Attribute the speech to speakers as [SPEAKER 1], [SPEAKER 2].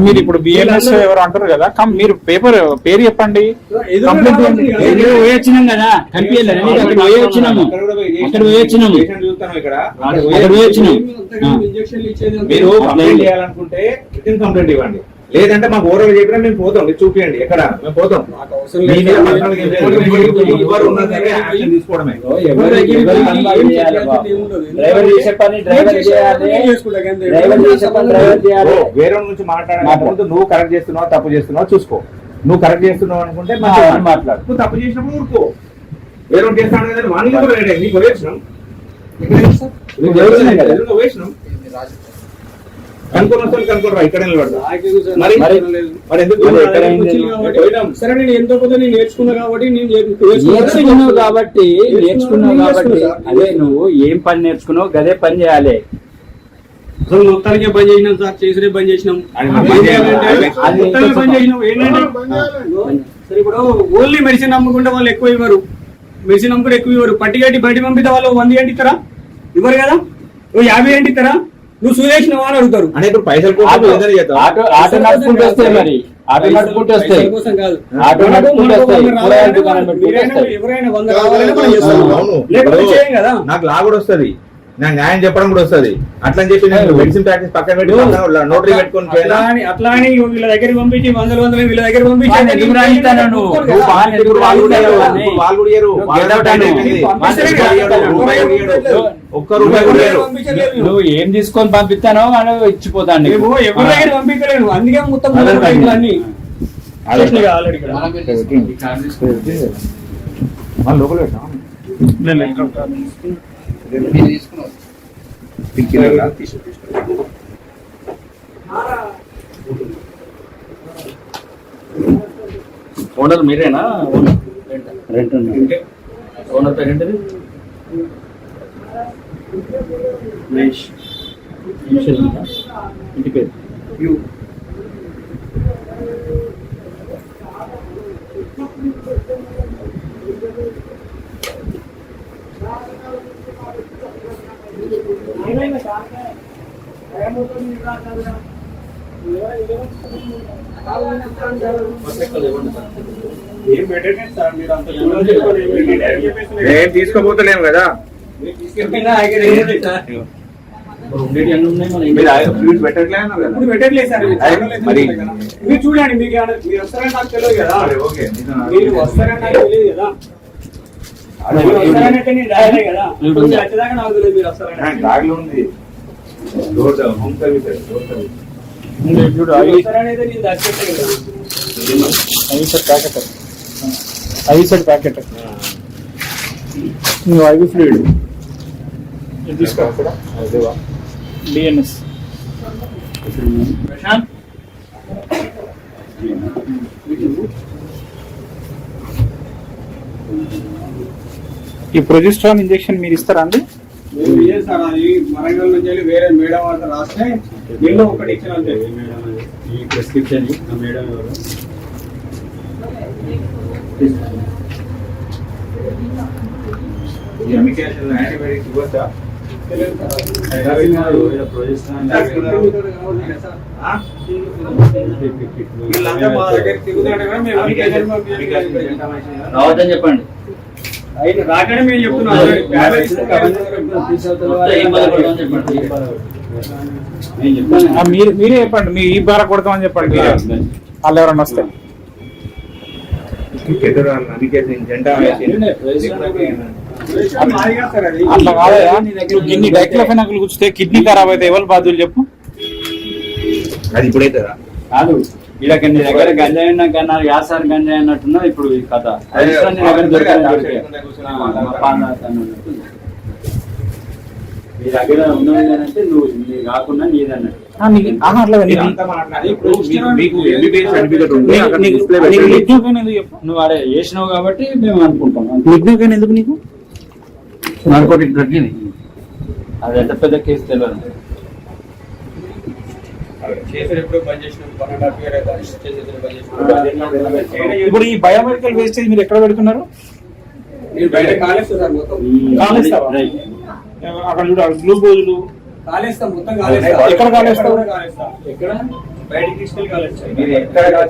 [SPEAKER 1] మీరు ఇప్పుడు బిఎల్ఎస్ ఎవరు అంటారు కదా, మీరు పేరు చెప్పండి.
[SPEAKER 2] వచ్చినాం కదా కనిపించలేదు, అక్కడ పోయి వచ్చినాము, అక్కడ పోయి వచ్చినాము, అక్కడ పోయి వచ్చినాం.
[SPEAKER 3] మీరు కంప్లైంట్ చేయాలనుకుంటే రిటన్ కంప్లైంట్ ఇవ్వండి, లేదంటే మాకు ఓవర్ చెప్పినా మేము పోతాం, మీరు చూపియండి ఎక్కడ మేము పోతాం. తీసుకోవడమే వేరే నుంచి మాట్లాడాలనుకుంటే నువ్వు కరెక్ట్ చేస్తున్నావు తప్పు చేస్తున్నావు చూసుకో. నువ్వు కరెక్ట్ చేస్తున్నావు అనుకుంటే మాట్లాడు, నువ్వు తప్పు చేసినప్పుడు ఊరుకో. వేరే చేస్తాను కదా వాళ్ళు కూడా నీకు వేసినాం వేసినాం కనుకోరా ఇక్కడ
[SPEAKER 4] సరే నేను ఎంతో కొంత నేర్చుకున్నా కాబట్టి
[SPEAKER 2] నేర్చుకున్నావు కాబట్టి అదే నువ్వు ఏం పని నేర్చుకున్నావు గదే పని చేయాలి.
[SPEAKER 4] అసలు మొత్తానికే బంద్ చేసినాం సార్, చేసుడే బంద్ చేసినాం. సరే ఇప్పుడు ఓన్లీ మెడిసిన్ అమ్ముకుంటే వాళ్ళు ఎక్కువ ఇవ్వరు, మెడిసిన్ అమ్ముకుంటే ఎక్కువ ఇవ్వరు. పట్టి కట్టి బయట పంపితే వాళ్ళు 100 ఏంటి ఇస్తారా? ఇవ్వరు కదా. 50 ఏంటి ఇస్తారా? నువ్వు సురేష్నవా అని అడుగుతారు.
[SPEAKER 3] అంటే ఇప్పుడు పైసలు
[SPEAKER 2] ఆటో నడుపుకుంటూ వస్తాయి, మరి ఆటో నడుపుకుంటూ వస్తాయి, ఆటో నడుపుకుంటూ వస్తాయి.
[SPEAKER 4] ఎవరైనా 100 కావాలని మనం చేస్తాం, లేకపోతే చేయం కదా.
[SPEAKER 3] నాకు లా కూడా వస్తుంది, నాకు న్యాయం చెప్పడం కూడా వస్తుంది. అట్లా అని చెప్పి నేను మెడిసిన్ ప్రాక్టీస్ పక్కన పెట్టి నోటరీ పెట్టుకుని
[SPEAKER 4] అట్లా అని వీళ్ళ దగ్గర పంపించి 100 వీళ్ళ దగ్గర పంపించి
[SPEAKER 3] ఒక్క రూపాయి కూడా
[SPEAKER 2] నువ్వు ఏం తీసుకొని పంపిస్తానో అని ఇచ్చిపోతాను.
[SPEAKER 4] ఎవరి దగ్గర పంపించలేను, అందుకే మొత్తం అన్ని
[SPEAKER 3] లోపల
[SPEAKER 2] ఓనర్ మీరేనా? రెంట్ ఓనర్ పేరు ఏంటిది? ఇంటి పేరు
[SPEAKER 3] ఏం తీసుకోబోతలేము కదా.
[SPEAKER 4] పెట్టట్లేదు సార్. మీరు చూడండి, మీకు మీరు వస్తారని నాకు తెలియదు కదా, మీరు వస్తారని నాకు తెలియదు కదా. వస్తారని అయితే నేను రాయలే కదా, వచ్చేదాకా నాకు తెలియదు మీరు వస్తారని.
[SPEAKER 1] ప్యాకెట్ ఐవి ఫ్లూయిడ్ తీసుకోవాలి డిఎన్ఎస్. ఈ ప్రొజెస్ట్రాన్ ఇంజెక్షన్ మీరు ఇస్తారా అండి?
[SPEAKER 4] సార్ అది వరంగల్ నుంచి వేరే మేడం అంతా రాస్తే దీనిలో ఒకటి ఇచ్చిన ఈ ప్రిస్క్రిప్షన్ మేడం ఎవరు
[SPEAKER 3] యాంటీబయాటిక్స్ ఇవ్వచ్చా?
[SPEAKER 2] రావద్దని చెప్పండి.
[SPEAKER 4] రాకనే మేము చెప్తున్నాం,
[SPEAKER 1] మీరే చెప్పండి, మీ ఈ బార కొడతామని చెప్పండి. వాళ్ళు ఎవరన్నా వస్తే అట్లా కాదయా, గిన్ని డైక్లోఫెనాక్ కూర్చుతే కిడ్నీ ఖరాబ్ అయితే ఎవరు బాధ్యులు చెప్పు?
[SPEAKER 3] అది ఇప్పుడైతే
[SPEAKER 2] కాదు, ఇలా నీ దగ్గర గంజాయి ఉన్నా కన్నా యాసారి గంజాయి అన్నట్టున్నా ఇప్పుడు ఈ కథ. నీ దగ్గర దొరికే మీ దగ్గర ఉన్నదంటే నువ్వు నీ కాకుండా నీదన్నట్టు. నువ్వు అడే చేసినావు కాబట్టి మేము అనుకుంటాం.
[SPEAKER 1] ఎందుకు నీకు
[SPEAKER 2] నార్కోటిక్ డ్రగ్ ఇది, అది ఎంత పెద్ద కేసు తెలియదు.
[SPEAKER 1] ఇప్పుడు ఈ బయోమెడికల్ వేస్టేజ్ మీరు ఎక్కడ పెడుతున్నారు? అక్కడ చూడ గ్లూకోజులు
[SPEAKER 4] కాలేస్తాం, మొత్తం
[SPEAKER 1] ఎక్కడ కాలేస్తావు?
[SPEAKER 4] ఎక్కడ బయటికి తీసుకెళ్ళి కాలేజ్
[SPEAKER 3] మీరు ఎక్కడ